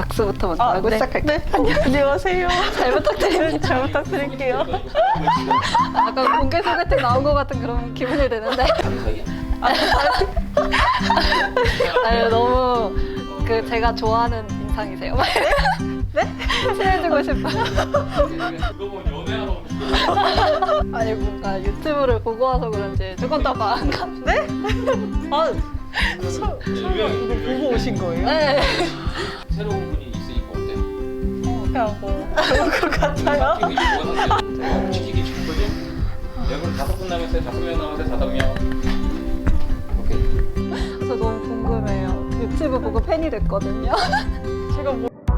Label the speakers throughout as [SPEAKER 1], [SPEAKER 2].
[SPEAKER 1] 악수부터 먼저 하고 시작할게요.
[SPEAKER 2] 네. 안녕하세요.
[SPEAKER 1] 잘 부탁드립니다.
[SPEAKER 2] 잘 부탁드릴게요.
[SPEAKER 1] 아까 공개 소개팅 나온 것 같은 그런 기분이 드는데. 아니, 너무 그 제가 좋아하는 인상이세요. 네? 친해지고 싶어요.
[SPEAKER 3] 그거 보면 연애하러
[SPEAKER 1] 아니 뭔가 유튜브를 보고 와서 그런지 조금 더 마음감.
[SPEAKER 2] 네? 아, 설마 이거 보고 오신 거예요?
[SPEAKER 1] 네.
[SPEAKER 3] 새로운 분이 있으니까 어때?
[SPEAKER 2] 하고 그런 것 같아요.
[SPEAKER 3] 이게 뭐가 상태요? 지키기 쉽거든? 여러분 5분 남았어요. 5명 남았어요. 5명. 오케이.
[SPEAKER 1] 저 너무 궁금해요. 유튜브 보고 팬이 됐거든요.
[SPEAKER 2] 제가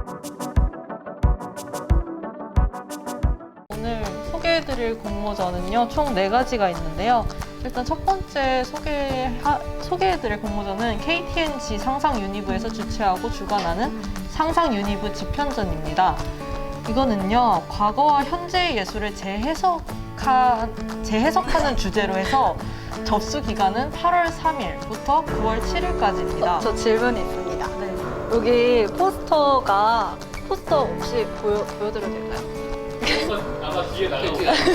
[SPEAKER 2] 오늘 소개해드릴 공모전은요, 총 4가지가 있는데요. 일단 첫 번째 소개해드릴 공모전은 KTNG 상상 유니브에서 주최하고 주관하는 상상 유니브 집현전입니다. 이거는요, 과거와 현재의 예술을 재해석하는 주제로 해서 접수 기간은 8월 3일부터 9월 7일까지입니다.
[SPEAKER 1] 저 질문이 있습니다. 여기 포스터 혹시 보여드려도 될까요?
[SPEAKER 3] 아마 뒤에 나가고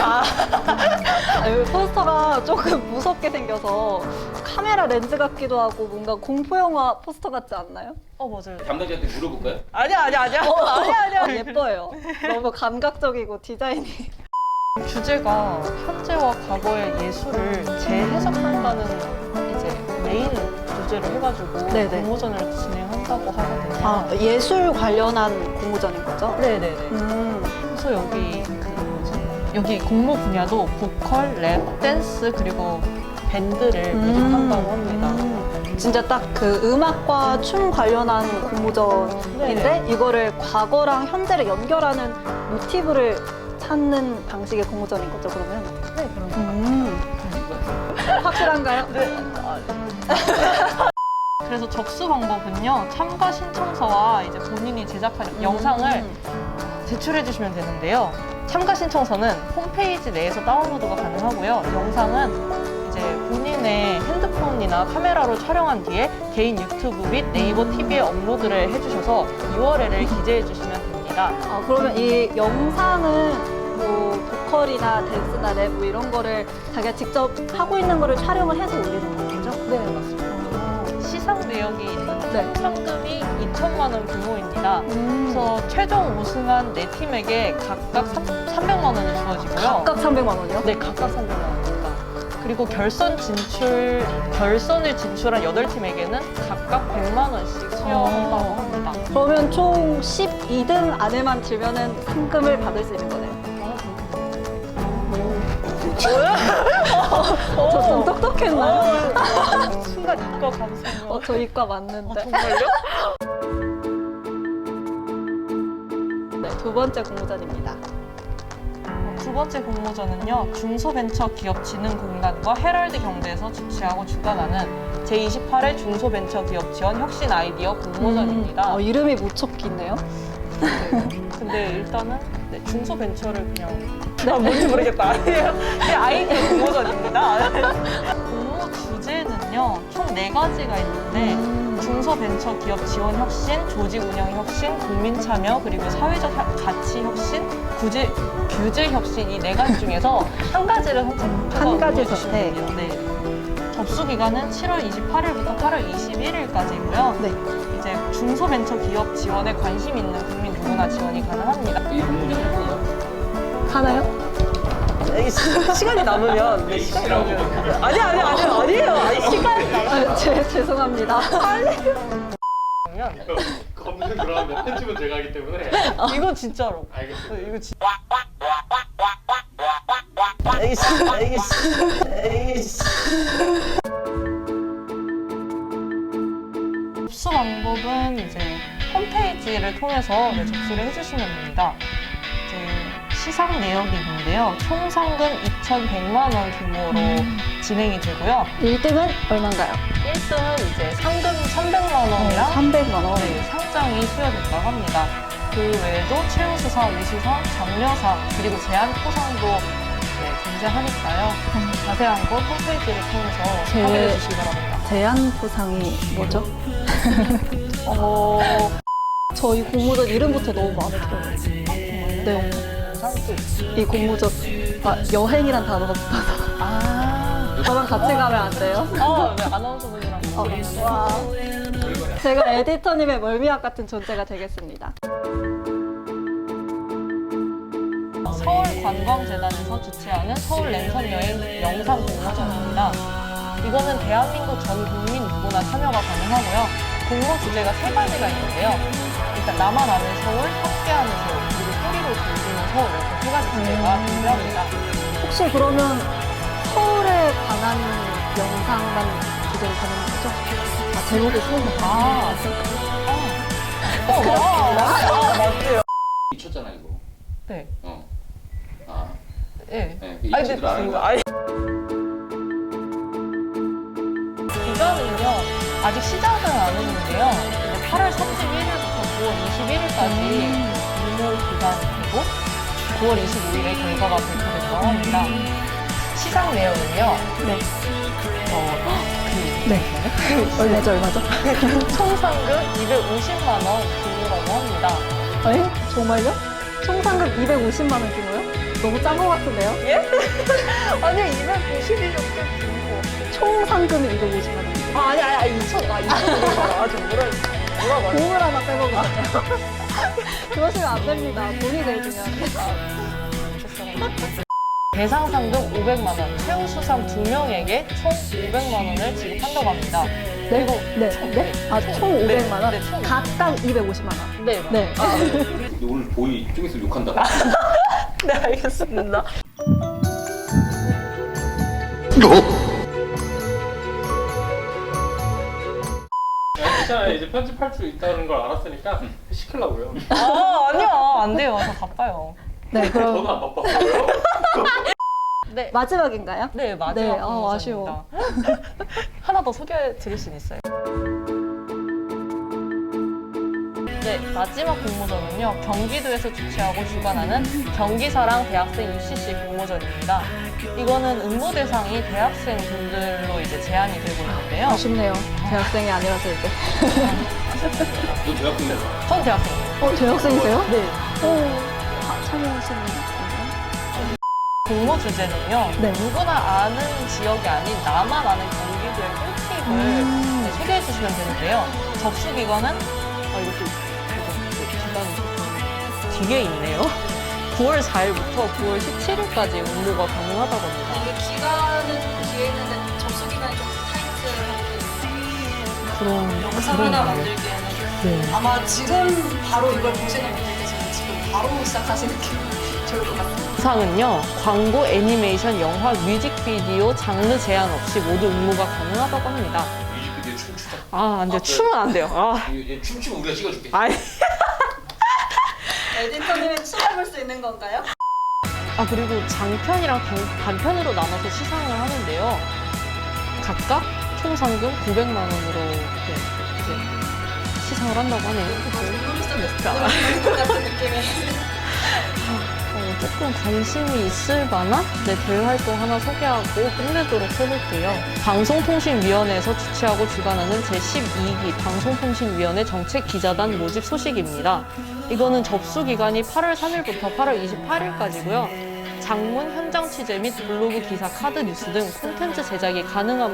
[SPEAKER 1] 여기 포스터가 조금 무섭게 생겨서 카메라 렌즈 같기도 하고 뭔가 공포영화 포스터 같지 않나요?
[SPEAKER 2] 맞아요.
[SPEAKER 3] 담당자한테 물어볼까요?
[SPEAKER 2] 아니야.
[SPEAKER 1] 예뻐요. 너무 감각적이고 디자인이.
[SPEAKER 2] 주제가 현재와 과거의 예술을 재해석한다는 이제 메인 주제로 해가지고
[SPEAKER 1] 네네.
[SPEAKER 2] 공모전을 진행한다고 하거든요.
[SPEAKER 1] 예술 관련한 공모전인 거죠?
[SPEAKER 2] 네네네. 그래서 여기 공모 분야도 보컬, 랩, 댄스 그리고 밴드를 모집한다고 합니다.
[SPEAKER 1] 진짜 딱 그 음악과 춤 관련한 공모전인데
[SPEAKER 2] 네네.
[SPEAKER 1] 이거를 과거랑 현재를 연결하는 모티브를 찾는 방식의 공모전인 거죠, 그러면?
[SPEAKER 2] 네, 그럼.
[SPEAKER 1] 확실한가요?
[SPEAKER 2] 네. 그래서 접수 방법은요, 참가 신청서와 이제 본인이 제작한 영상을 제출해 주시면 되는데요. 참가 신청서는 홈페이지 내에서 다운로드가 가능하고요. 영상은 이제 본인의 핸드폰이나 카메라로 촬영한 뒤에 개인 유튜브 및 네이버 TV에 업로드를 해주셔서 URL을 기재해 주시면 됩니다.
[SPEAKER 1] 그러면 이 영상은 뭐 보컬이나 댄스나 랩 뭐 이런 거를 자기가 직접 하고 있는 거를 촬영을 해서 올리는 거죠?
[SPEAKER 2] 네, 맞습니다. 시상 내역이 있는
[SPEAKER 1] 네.
[SPEAKER 2] 상금이 2천만 원 규모입니다. 그래서 최종 우승한 4팀에게 각각 300만 원이 주어지고요.
[SPEAKER 1] 각각 300만 원이요?
[SPEAKER 2] 네, 각각 300만 원입니다. 그리고 결선을 진출한 8팀에게는 각각 100만 원씩 수여한다고 합니다.
[SPEAKER 1] 그러면 총 12등 안에만 들면은 상금을 받을 수 있는 거네요. 저 좀 똑똑했나요?
[SPEAKER 2] 순간 이과 감성.
[SPEAKER 1] 저 이과 맞는데.
[SPEAKER 2] 정말요?
[SPEAKER 1] 네, 두 번째 공모전입니다.
[SPEAKER 2] 두 번째 공모전은요, 중소벤처기업진흥공단과 헤럴드 경제에서 주최하고 주관하는 제28회 중소벤처기업지원 혁신 아이디어 공모전입니다.
[SPEAKER 1] 이름이 무척 기네요.
[SPEAKER 2] 근데 일단은 중소벤처를 그냥 뭔지 모르겠다. 아니에요. 그냥 아이디어 공모전입니다. 공모 주제는요, 총 4가지가 있는데 중소벤처기업 지원 혁신, 조직 운영 혁신, 국민 참여, 그리고 사회적 가치 혁신, 규제 혁신 이 4가지 중에서 한 가지를 선택해서
[SPEAKER 1] 한 가지
[SPEAKER 2] 보내주시면
[SPEAKER 1] 선택.
[SPEAKER 2] 돼요. 네. 접수 기간은 7월 28일부터 8월 21일까지고요.
[SPEAKER 1] 네.
[SPEAKER 2] 이제 중소벤처기업 지원에 관심 있는 국민 누구나 지원이 가능합니다.
[SPEAKER 3] 이 공모전 해보냐?
[SPEAKER 1] 하나요?
[SPEAKER 2] 시간이 남으면
[SPEAKER 3] H라고
[SPEAKER 2] 아니에요. 시간이 남으면
[SPEAKER 1] 죄송합니다.
[SPEAKER 3] 검증 들어가면 편집은 제가 하기 때문에
[SPEAKER 2] 이건 진짜로.
[SPEAKER 3] 알겠습니다.
[SPEAKER 2] 이거 진짜. 에이씨. 접수 방법은 이제 홈페이지를 통해서 접수를 해주시면 됩니다. 이제 시상 내역이 있는데요. 총 상금 2,100만 원 규모로 진행이 되고요.
[SPEAKER 1] 1등은 얼마인가요?
[SPEAKER 2] 1등은 이제 상금 300만 원이랑
[SPEAKER 1] 300만 원.
[SPEAKER 2] 상장이 수여된다고 합니다. 그 외에도 최우수상, 우수상, 장려상, 그리고 제안포상도 존재하니까요. 자세한 건 홈페이지를 통해서 확인해 주시기 바랍니다.
[SPEAKER 1] 제안 포상이 뭐죠? 저희 공모전 이름부터 너무 마음에 들어요. 네.
[SPEAKER 2] 영상도
[SPEAKER 1] 이 공모전 여행이란 단어가 붙어서 저랑 같이 가면 안 돼요?
[SPEAKER 2] 네, 아나운서분이랑 같이
[SPEAKER 1] 와. 제가 에디터님의 멀미약 같은 존재가 되겠습니다.
[SPEAKER 2] 서울관광재단에서 주최하는 서울 랜선 여행 영상 공모전입니다. 이거는 대한민국 전 국민 누구나 참여가 가능하고요. 공모 주제가 3가지가 있는데요. 일단 나만 아는 서울, 함께하는 서울, 그리고 소리로 들리는 서울 이렇게 3가지 주제가 존재합니다.
[SPEAKER 1] 혹시 그러면 서울에 관한 영상만 주제로 가는 거죠? 제목이 서울.
[SPEAKER 2] 맞아요.
[SPEAKER 3] 미쳤잖아 이거.
[SPEAKER 2] 네. 네.
[SPEAKER 3] 네, 그 이치들 아는 거.
[SPEAKER 2] 기간은요, 아직 시작은 안 했는데요. 이제 8월 31일부터 9월 21일까지 유무 기간이고 9월 25일에 결과가 발표된다고 합니다. 시상 내용은요.
[SPEAKER 1] 네. 얼마죠?
[SPEAKER 2] 총 상금 250만 원 규모라고 합니다.
[SPEAKER 1] 정말요? 총 상금 250만 원 규모요? 너무 짠 것 같은데요?
[SPEAKER 2] 예? 아니요, 250이 좀 규모.
[SPEAKER 1] 총 상금이 250만 원.
[SPEAKER 2] 아니, 2,500만 원. 뭐라고?
[SPEAKER 1] 공을 하나 빼먹은 것 같아요. 그러시면 안 됩니다. 돈이 제일 중요한데.
[SPEAKER 2] 대상 상금 500만 원, 최우 수상 2명에게 총 500만 원을 지급한다고 합니다.
[SPEAKER 1] 네? 총 500만 원?
[SPEAKER 2] 네, 총.
[SPEAKER 1] 각각 250만 원.
[SPEAKER 2] 네.
[SPEAKER 1] 네.
[SPEAKER 3] 오늘 보이 좀 있으면 욕한다.
[SPEAKER 2] 네, 알겠습니다.
[SPEAKER 4] 괜찮아요. 이제 편집할 수 있다는 걸 알았으니까 시키려고요.
[SPEAKER 2] 아니요. 안 돼요. 저 바빠요.
[SPEAKER 1] 네, 그럼
[SPEAKER 4] 저도 안 바빴어요.
[SPEAKER 2] 네.
[SPEAKER 1] 마지막인가요?
[SPEAKER 2] 네, 마지막
[SPEAKER 1] 네,
[SPEAKER 2] 공모전입니다.
[SPEAKER 1] 아쉬워.
[SPEAKER 2] 하나 더 소개해 드릴 수 있어요. 네, 마지막 공모전은요. 경기도에서 주최하고 주관하는 경기사랑 대학생 UCC 공모전입니다. 이거는 응모 대상이 대학생 분들로 이제 제한이 되고 있는데요.
[SPEAKER 1] 아쉽네요. 대학생이 아니라서 이제.
[SPEAKER 3] 너 대학생이야.
[SPEAKER 2] 전 대학생이에요.
[SPEAKER 1] 대학생이세요?
[SPEAKER 2] 네.
[SPEAKER 1] 참여하시는 건가요?
[SPEAKER 2] 공모 주제는요.
[SPEAKER 1] 네.
[SPEAKER 2] 누구나 아는 지역이 아닌 나만 아는 경기도의 꿀팁을 네, 소개해 주시면 되는데요. 접수 기간은 이것도 기간이 뒤에 있네요. 9월 4일부터 9월 17일까지 응모가 가능하다고 합니다.
[SPEAKER 1] 이게 기간은 뒤에 있는데 접수 기간이 좀 타이트하고
[SPEAKER 2] 그런
[SPEAKER 1] 영상 하나 만들기에는
[SPEAKER 2] 네.
[SPEAKER 1] 아마 지금 바로 이걸 보시는 분들께서는 지금 바로 시작하시는 게 좋을 것 같아요.
[SPEAKER 2] 상은요. 광고, 애니메이션, 영화, 뮤직비디오 장르 제한 없이 모두 응모가 가능하다고 합니다.
[SPEAKER 3] 뮤직비디오 춤추자.
[SPEAKER 2] 안 돼요. 춤은 안 돼요.
[SPEAKER 3] 얘 춤추면 우리가 찍어줄게.
[SPEAKER 2] 아니.
[SPEAKER 1] 에디터님이 춤해볼 수 있는 건가요?
[SPEAKER 2] 그리고 장편이랑 단편으로 나눠서 시상을 하는데요. 각각 총 상금 900만 원으로 이제 시상을 한다고 하네요.
[SPEAKER 1] 같은 느낌이.
[SPEAKER 2] 조금 관심이 있을 만한 대외 활동 하나 소개하고 끝내도록 해볼게요. 방송통신위원회에서 주최하고 주관하는 제12기 방송통신위원회 정책기자단 모집 소식입니다. 이거는 접수 기간이 8월 3일부터 8월 28일까지고요. 장문, 현장 취재 및 블로그 기사, 카드 뉴스 등 콘텐츠 제작이 가능한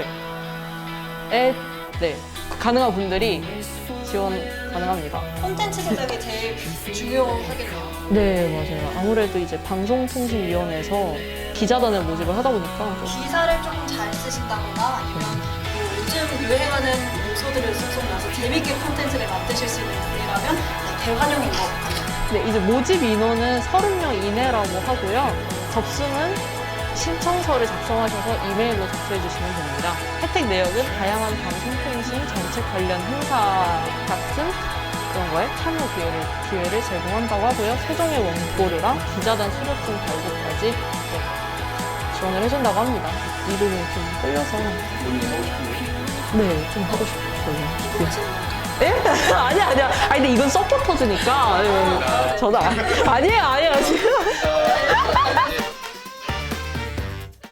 [SPEAKER 2] 가능한 분들이 지원 가능합니다.
[SPEAKER 1] 콘텐츠 제작이 제일 중요하겠네요.
[SPEAKER 2] 네, 맞아요. 아무래도 이제 방송통신위원회에서 기자단을 모집을 하다 보니까
[SPEAKER 1] 기사를 조금 잘 쓰신다거나 아니면 뭐 요즘 유행하는 요소들을 쏙쏙 나서 재밌게 콘텐츠를 만드실 수 있는 분이라면 대환영인 것 같아요.
[SPEAKER 2] 네, 이제 모집 인원은 30명 이내라고 하고요. 접수는 신청서를 작성하셔서 이메일로 접수해 주시면 됩니다. 혜택 내역은 다양한 방송통신 정책 관련 행사 같은 그런 거에 참여 기회를 제공한다고 하고요. 최종의 원고료랑 기자단 수료증 발급까지 지원을 해준다고 합니다. 이름이 좀 끌려서
[SPEAKER 3] 본인이 하고 싶은
[SPEAKER 2] 네, 좀 하고 싶어요. 예? 아니야. 근데 이건 서포터즈니까. 저도 아니에요.